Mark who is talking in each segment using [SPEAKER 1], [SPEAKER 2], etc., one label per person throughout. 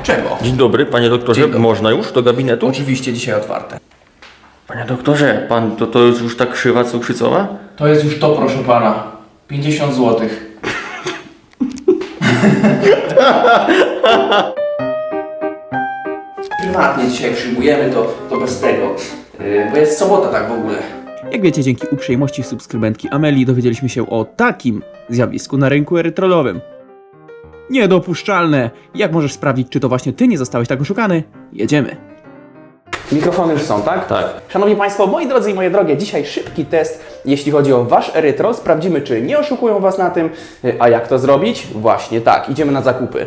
[SPEAKER 1] Czego?
[SPEAKER 2] Dzień dobry, panie doktorze.
[SPEAKER 1] Dzień dobry.
[SPEAKER 2] Można już do gabinetu?
[SPEAKER 1] Oczywiście dzisiaj otwarte.
[SPEAKER 2] Panie doktorze, pan to jest już tak krzywa cukrzycowa?
[SPEAKER 1] To jest już to, proszę pana. 50 zł. Prywatnie dzisiaj przyjmujemy to bez tego. Bo jest sobota tak w ogóle.
[SPEAKER 3] Jak wiecie, dzięki uprzejmości subskrybentki Amelii dowiedzieliśmy się o takim zjawisku na rynku erytrolowym. Niedopuszczalne! Jak możesz sprawdzić, czy to właśnie ty nie zostałeś tak oszukany? Jedziemy.
[SPEAKER 1] Mikrofony już są, tak?
[SPEAKER 2] Tak.
[SPEAKER 1] Szanowni Państwo, moi drodzy i moje drogie, dzisiaj szybki test, jeśli chodzi o Wasz erytrol. Sprawdzimy, czy nie oszukują Was na tym. A jak to zrobić? Właśnie tak, idziemy na zakupy.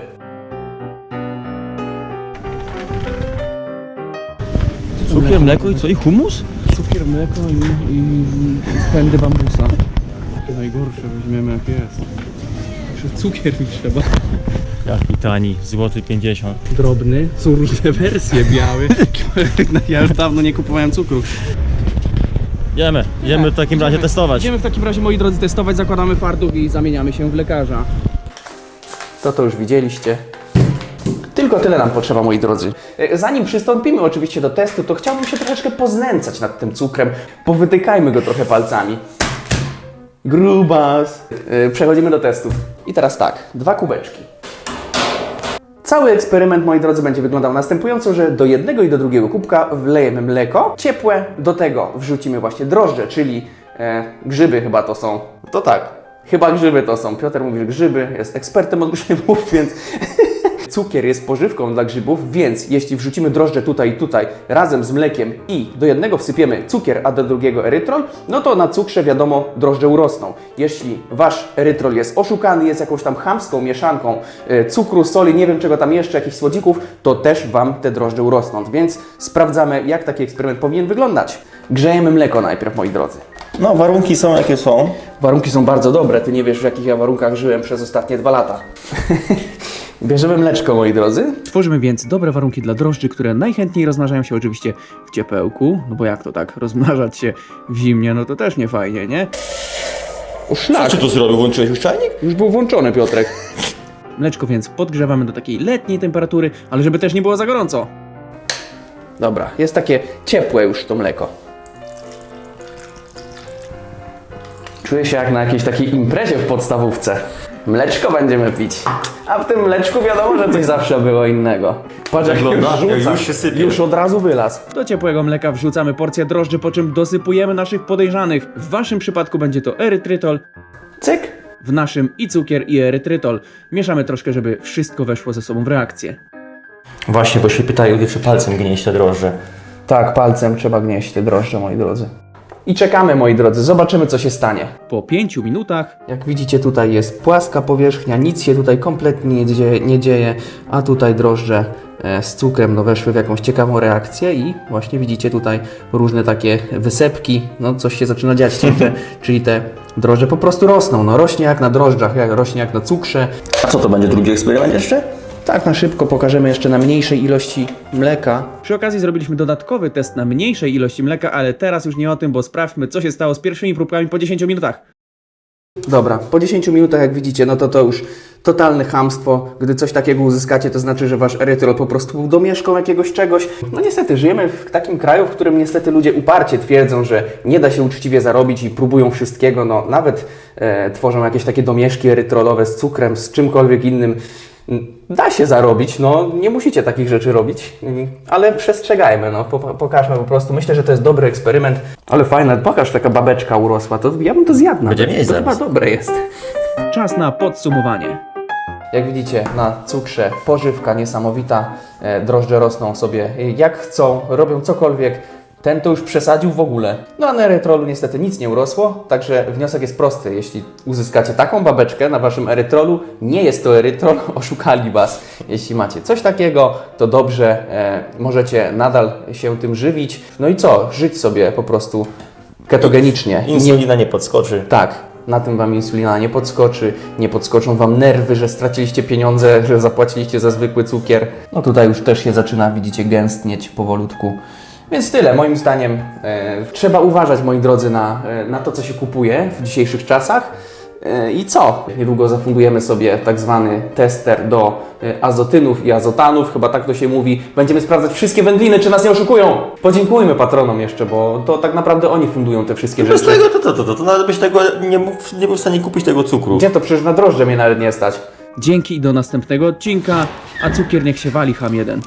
[SPEAKER 3] Cukier, mleko i co? I humus? Cukier, mleko i pędy bambusa. Najgorsze weźmiemy jak jest. Jeszcze cukier mi trzeba.
[SPEAKER 4] Jaki tani, złoty 50.
[SPEAKER 3] Drobny, są różne wersje, biały. Ja już dawno nie kupowałem cukru.
[SPEAKER 4] Idziemy w takim razie testować.
[SPEAKER 3] Idziemy w takim razie, moi drodzy, testować, zakładamy fartuch i zamieniamy się w lekarza.
[SPEAKER 1] To już widzieliście. Tylko tyle nam potrzeba, moi drodzy. Zanim przystąpimy oczywiście do testu, to chciałbym się troszeczkę poznęcać nad tym cukrem. Powytykajmy go trochę palcami. Grubas. Przechodzimy do testów. I teraz tak, 2 kubeczki. Cały eksperyment, moi drodzy, będzie wyglądał następująco, że do jednego i do drugiego kubka wlejemy mleko ciepłe, do tego wrzucimy właśnie drożdże, czyli grzyby chyba to są. To tak, chyba grzyby to są. Piotr mówi, że grzyby, jest ekspertem od grzybów, więc cukier jest pożywką dla grzybów, więc jeśli wrzucimy drożdże tutaj i tutaj razem z mlekiem i do jednego wsypiemy cukier, a do drugiego erytrol, no to na cukrze wiadomo drożdże urosną. Jeśli Wasz erytrol jest oszukany, jest jakąś tam chamską mieszanką cukru, soli, nie wiem czego tam jeszcze, jakichś słodzików, to też Wam te drożdże urosną. Więc sprawdzamy, jak taki eksperyment powinien wyglądać. Grzejemy mleko najpierw, moi drodzy.
[SPEAKER 2] No, warunki są jakie są.
[SPEAKER 1] Warunki są bardzo dobre, Ty nie wiesz, w jakich ja warunkach żyłem przez ostatnie 2 lata. Bierzemy mleczko, moi drodzy.
[SPEAKER 3] Tworzymy więc dobre warunki dla drożdży, które najchętniej rozmnażają się oczywiście w ciepełku, no bo jak to tak, rozmnażać się w zimnie, no to też nie fajnie, nie?
[SPEAKER 1] O szlak,
[SPEAKER 2] Co tu zrobił? Włączyłeś już czajnik?
[SPEAKER 1] już był włączony, Piotrek.
[SPEAKER 3] Mleczko więc podgrzewamy do takiej letniej temperatury, ale żeby też nie było za gorąco.
[SPEAKER 1] Dobra, jest takie ciepłe już to mleko. Czuję się jak na jakiejś takiej imprezie w podstawówce. Mleczko będziemy pić. A w tym mleczku wiadomo, że coś zawsze było innego. Patrz jak
[SPEAKER 2] Wygląda,
[SPEAKER 1] już
[SPEAKER 2] jak
[SPEAKER 1] rzuca.
[SPEAKER 2] już się sypie.
[SPEAKER 1] Już od razu wylazł.
[SPEAKER 3] Do ciepłego mleka wrzucamy porcję drożdży, po czym dosypujemy naszych podejrzanych. W waszym przypadku będzie to erytrytol,
[SPEAKER 1] Cyk.
[SPEAKER 3] w naszym i cukier i erytrytol. Mieszamy troszkę, żeby wszystko weszło ze sobą w reakcję.
[SPEAKER 2] Właśnie, bo się pytają, czy palcem gnieść te drożdże.
[SPEAKER 1] Tak, palcem trzeba gnieść te drożdże, moi drodzy. I czekamy, moi drodzy, zobaczymy co się stanie.
[SPEAKER 3] Po 5 minutach
[SPEAKER 1] Jak widzicie, tutaj jest płaska powierzchnia, nic się tutaj kompletnie nie dzieje, a tutaj drożdże z cukrem weszły w jakąś ciekawą reakcję i właśnie widzicie tutaj różne takie wysepki, no coś się zaczyna dziać, czyli te drożdże po prostu rosną, no rośnie jak na drożdżach, rośnie jak na cukrze.
[SPEAKER 2] A co to będzie, drugi eksperyment jeszcze?
[SPEAKER 1] Tak na szybko pokażemy jeszcze na mniejszej ilości mleka.
[SPEAKER 3] przy okazji zrobiliśmy dodatkowy test na mniejszej ilości mleka, ale teraz już nie o tym, bo sprawdźmy, co się stało z pierwszymi próbkami po 10 minutach.
[SPEAKER 1] Dobra, po 10 minutach jak widzicie, no to już totalne chamstwo. Gdy coś takiego uzyskacie, to znaczy, że Wasz erytrol po prostu był domieszką jakiegoś czegoś. No niestety, żyjemy w takim kraju, w którym niestety ludzie uparcie twierdzą, że nie da się uczciwie zarobić i próbują wszystkiego, no nawet tworzą jakieś takie domieszki erytrolowe z cukrem, z czymkolwiek innym. Da się zarobić, no nie musicie takich rzeczy robić, ale przestrzegajmy, no pokażmy po prostu. Myślę, że to jest dobry eksperyment, ale fajne, pokaż, taka babeczka urosła, to ja bym to zjadł nawet.
[SPEAKER 2] Będziemy jeść
[SPEAKER 1] To chyba
[SPEAKER 2] zaraz.
[SPEAKER 1] dobre jest.
[SPEAKER 3] Czas na podsumowanie.
[SPEAKER 1] Jak widzicie, na cukrze pożywka niesamowita, drożdże rosną sobie jak chcą, robią cokolwiek. Ten to już przesadził w ogóle. No a na erytrolu niestety nic nie urosło, także wniosek jest prosty. Jeśli uzyskacie taką babeczkę na Waszym erytrolu, nie jest to erytrol, oszukali Was. Jeśli macie coś takiego, to dobrze, możecie nadal się tym żywić. No i co? Żyć sobie po prostu ketogenicznie.
[SPEAKER 2] Insulina nie podskoczy.
[SPEAKER 1] Tak, na tym Wam insulina nie podskoczy, nie podskoczą Wam nerwy, że straciliście pieniądze, że zapłaciliście za zwykły cukier. No tutaj już też się zaczyna, widzicie, gęstnieć powolutku. Więc tyle, moim zdaniem trzeba uważać, moi drodzy, na to, co się kupuje w dzisiejszych czasach. I co? Niedługo zafundujemy sobie tak zwany tester do azotynów i azotanów, chyba tak to się mówi. Będziemy sprawdzać wszystkie wędliny, czy nas nie oszukują. Podziękujmy patronom jeszcze, bo to tak naprawdę oni fundują te wszystkie
[SPEAKER 2] Bez
[SPEAKER 1] rzeczy.
[SPEAKER 2] tego to nawet byś tego nie był w stanie kupić tego cukru.
[SPEAKER 1] Gdzie to? Przecież na drożdże mnie nawet nie stać.
[SPEAKER 3] Dzięki i do następnego odcinka, a cukier niech się wali, ham jeden.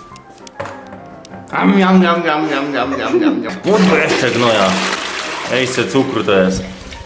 [SPEAKER 2] Kurwa, jeszcze gnoja. Ej, se cukru to jest.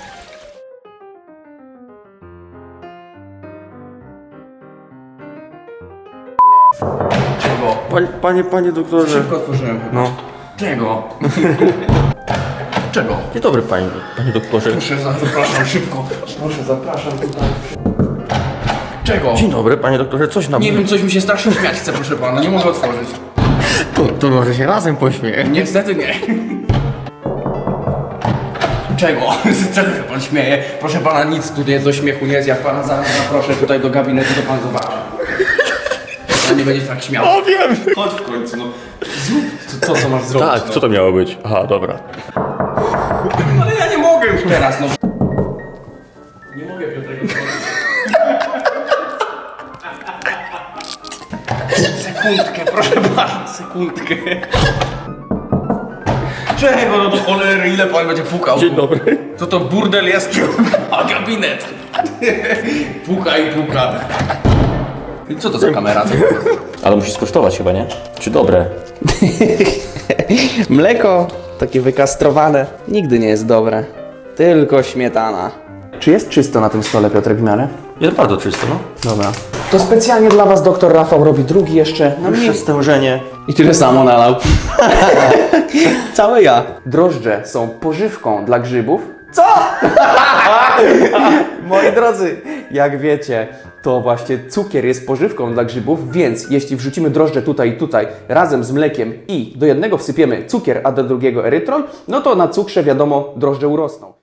[SPEAKER 1] Czego?
[SPEAKER 2] Panie doktorze.
[SPEAKER 1] Szybko otworzyłem chyba.
[SPEAKER 2] No.
[SPEAKER 1] Czego? Czego?
[SPEAKER 2] Dzień dobry, panie doktorze.
[SPEAKER 1] Proszę, zapraszam szybko. Proszę, zapraszam tutaj. Czego?
[SPEAKER 2] Dzień dobry, panie doktorze, coś nam...
[SPEAKER 1] Nie wiem, coś mi się strasznie śmiać chce, proszę pana, nie mogę otworzyć.
[SPEAKER 2] To może się razem pośmieje.
[SPEAKER 1] Niestety nie. Czego? Czego się pan śmieje? Proszę pana, nic tutaj do śmiechu nie jest. Jak pana zaproszę tutaj do gabinetu, to pan zobaczy. Pan nie będzie tak śmiał.
[SPEAKER 2] O, wiem!
[SPEAKER 1] Chodź w końcu, no. Zrób co masz zrobić.
[SPEAKER 2] Tak,
[SPEAKER 1] no.
[SPEAKER 2] co to miało być? Aha, dobra.
[SPEAKER 1] Ale ja nie mogę już teraz, no. Nie mogę Piotrek otworzyć. Sekundkę, proszę pana, sekundkę. Czego no do cholery, ile pan będzie pukał?
[SPEAKER 2] Dzień dobry.
[SPEAKER 1] Co to burdel jest? A gabinet. Puka i puka. I co to za kamera?
[SPEAKER 2] Ale musisz skosztować chyba, nie? Czy dobre?
[SPEAKER 1] Mleko, takie wykastrowane, nigdy nie jest dobre. Tylko śmietana. Czy jest czysto na tym stole, Piotrek, w miarę?
[SPEAKER 2] Jest bardzo czysto, no.
[SPEAKER 1] Dobra. To specjalnie dla was doktor Rafał robi drugi jeszcze na mnie.
[SPEAKER 2] stężenie.
[SPEAKER 1] I tyle samo nalał. Całe ja. Drożdże są pożywką dla grzybów. Co? Moi drodzy, jak wiecie, to właśnie cukier jest pożywką dla grzybów, więc jeśli wrzucimy drożdże tutaj i tutaj razem z mlekiem i do jednego wsypiemy cukier, a do drugiego erytrol, no to na cukrze wiadomo drożdże urosną.